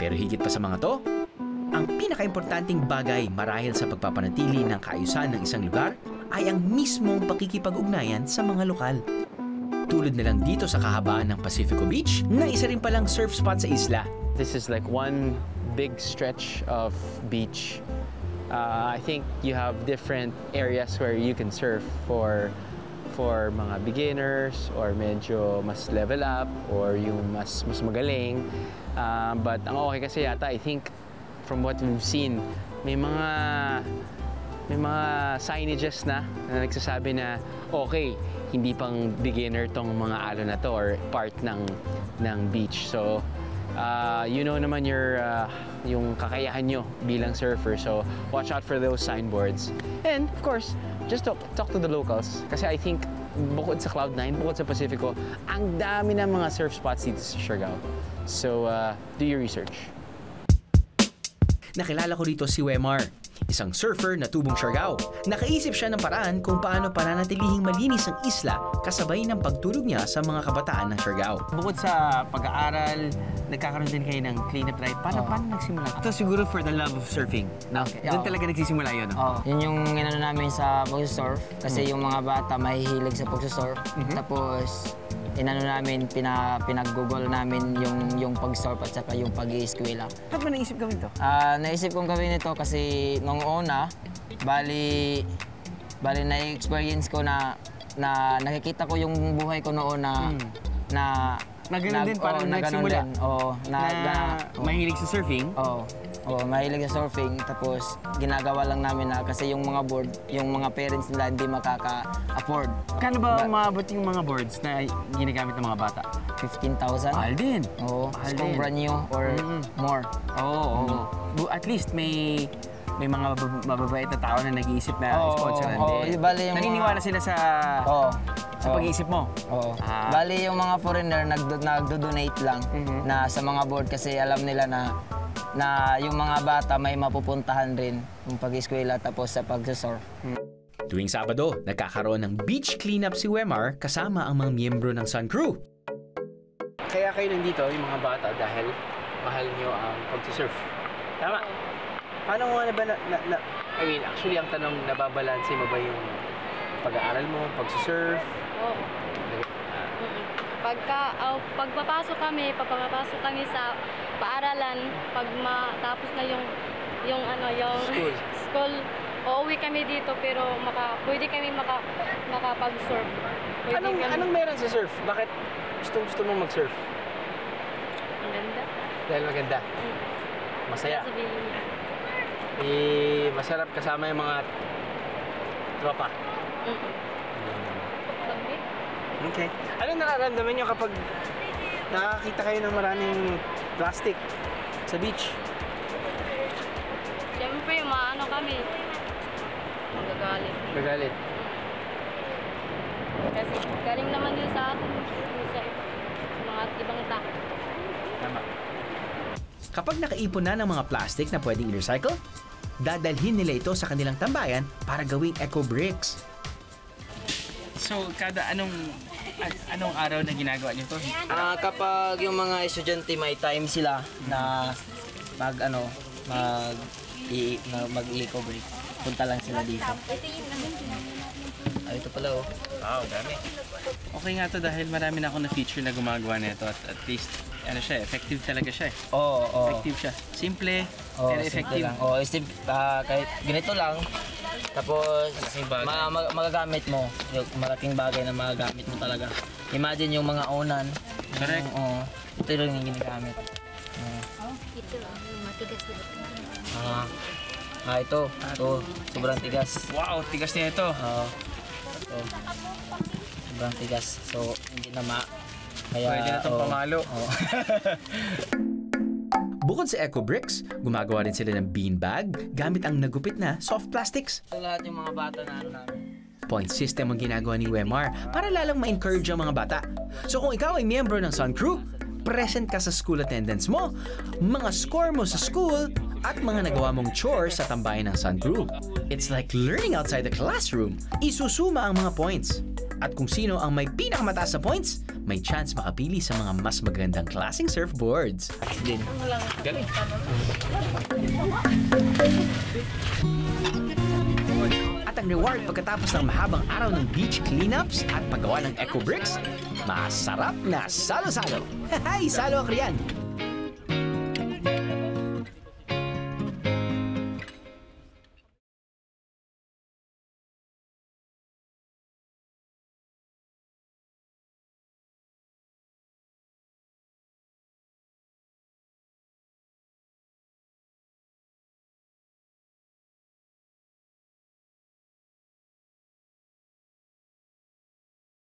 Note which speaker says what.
Speaker 1: Pero higit pa sa mga to, ang pinakaimportanting bagay marahil sa pagpapanatili ng kaayusan ng isang lugar ay ang mismong pakikipag-ugnayan sa mga lokal. Tulad na lang dito sa kahabaan ng Pacifico Beach na isa rin palang surf spot sa isla.
Speaker 2: This is like one big stretch of beach. I think you have different areas where you can surf for mga beginners or medyo mas level up or yung mas magaling. But ang okay kasi yata, I think from what we've seen, may mga signages na nagsasabi na okay, hindi pang beginner tong mga alon na to or part ng beach. So you know naman yung kakayahan nyo bilang surfer, so watch out for those signboards. And of course, just talk to the locals kasi I think bukod sa Cloud9, bukod sa Pacifico, ang dami ng mga surf spots dito sa Siargao. So do your research.
Speaker 1: Nakilala ko dito si Wemar, isang surfer na tubong Siargao. Nakaisip siya ng paraan kung paano pananatilihing malinis ang isla kasabay ng pagtulog niya sa mga kabataan ng Siargao.
Speaker 3: Bukod sa pag-aaral, nagkakaroon din kayo ng cleanup drive. Paano nagsimula? Ito siguro for the love of surfing. No?
Speaker 4: Okay.
Speaker 3: Doon talaga nagsisimula yun. No?
Speaker 4: Yun yung inano namin sa pagsusurf. Kasi yung mga bata mahihilig sa pagsusurf. Tapos inano namin, pinag-google namin yung pag-surf at saka yung pag-i-eskwela.
Speaker 3: Ba't mo naisip gawin to?
Speaker 4: Naisip kong gawin ito kasi nung una, bali na-experience ko na nakikita ko yung buhay ko noon na
Speaker 3: ganun din, parang nagsimula. Mahilig sa surfing?
Speaker 4: Mahilig sa surfing. Tapos ginagawa lang namin na kasi yung mga board, yung mga parents nila hindi makaka-afford.
Speaker 3: Kano ba maabot yung mga boards na ginagamit ng mga bata?
Speaker 4: 15,000.
Speaker 3: Mahal din.
Speaker 4: Kung brand new or more.
Speaker 3: At least may mga mababait na tao na nag-iisip na sponsoran din. Naniniwala sila sa pag-iisip mo?
Speaker 4: Bali yung mga foreigner nagdo-donate lang na sa mga board kasi alam nila na yung mga bata may mapupuntahan rin yung pag-eskwela tapos sa pag-surf.
Speaker 1: Tuwing Sabado, nagkakaroon ng beach cleanup si Wemar kasama ang mga miyembro ng Sun Crew.
Speaker 2: Kaya kayo nandito, yung mga bata, dahil mahal nyo ang pag-surf. Tama? Paano mo I mean, actually, ang tanong, nababalansin mo ba yung pag-aaral mo, pag-surf?
Speaker 5: Oo. Pagpapasok kami sa paaralan, pag matapos na yung school, uuwi kami dito pero pwede kami makapag-surf.
Speaker 2: Anong meron sa surf? Bakit gusto mong mag-surf?
Speaker 5: Maganda.
Speaker 2: Dahil maganda? Masaya?
Speaker 5: Sabihin niya.
Speaker 2: Masarap kasama yung mga tropa? Okay. Ano nararamdaman nyo kapag nakakita kayo ng maraming plastic sa beach?
Speaker 5: Siyempre, maano kami. Magagalit.
Speaker 2: Magagalit?
Speaker 5: Kasi galing naman din sa atin. Sa mga ibang tao.
Speaker 2: Tama.
Speaker 1: Kapag nakaipon na ng mga plastic na pwedeng i-recycle, dadalhin nila ito sa kanilang tambayan para gawing eco bricks.
Speaker 3: So, anong araw na ginagawa niyo to?
Speaker 4: Kapag yung mga estudyante may time sila na mag-eco break, punta lang sila dito. Ito pala
Speaker 3: Wow, dami. Okay nga to dahil marami na ako na feature na gumagawa nito at least effective talaga siya eh. Effective siya. Simple, pero effective.
Speaker 4: Kahit ganito lang, tapos magagamit mo, yung malaking bagay na magagamit mo talaga. Imagine yung mga unan.
Speaker 3: Correct.
Speaker 4: Ito lang yung ginagamit.
Speaker 5: Ito, yung matigas dito.
Speaker 4: Ito, sobrang tigas.
Speaker 3: Wow, tigas niya ito.
Speaker 4: Sobrang tigas. So, hindi na kaya,
Speaker 3: pwede na itong pamalo.
Speaker 1: Bukod sa eco bricks, gumagawa rin sila ng beanbag gamit ang nagupit na soft plastics.
Speaker 4: Ito lahat yung mga bata na namin.
Speaker 1: Point system ang ginagawa ni Wemar para lalang ma-encourage ang mga bata. So kung ikaw ay miyembro ng Sun Crew, present ka sa school attendance mo, mga score mo sa school, at mga nagawa mong chores sa tambayan ng Sun Crew. It's like learning outside the classroom. Isusuma ang mga points. At kung sino ang may pinakamataas sa points, may chance makapili sa mga mas magandang klaseng surfboards.
Speaker 2: Galing.
Speaker 1: At ang reward pagkatapos ng mahabang araw ng beach cleanups at paggawa ng eco bricks, masarap na salo-salo. Hay, salo ang riyan!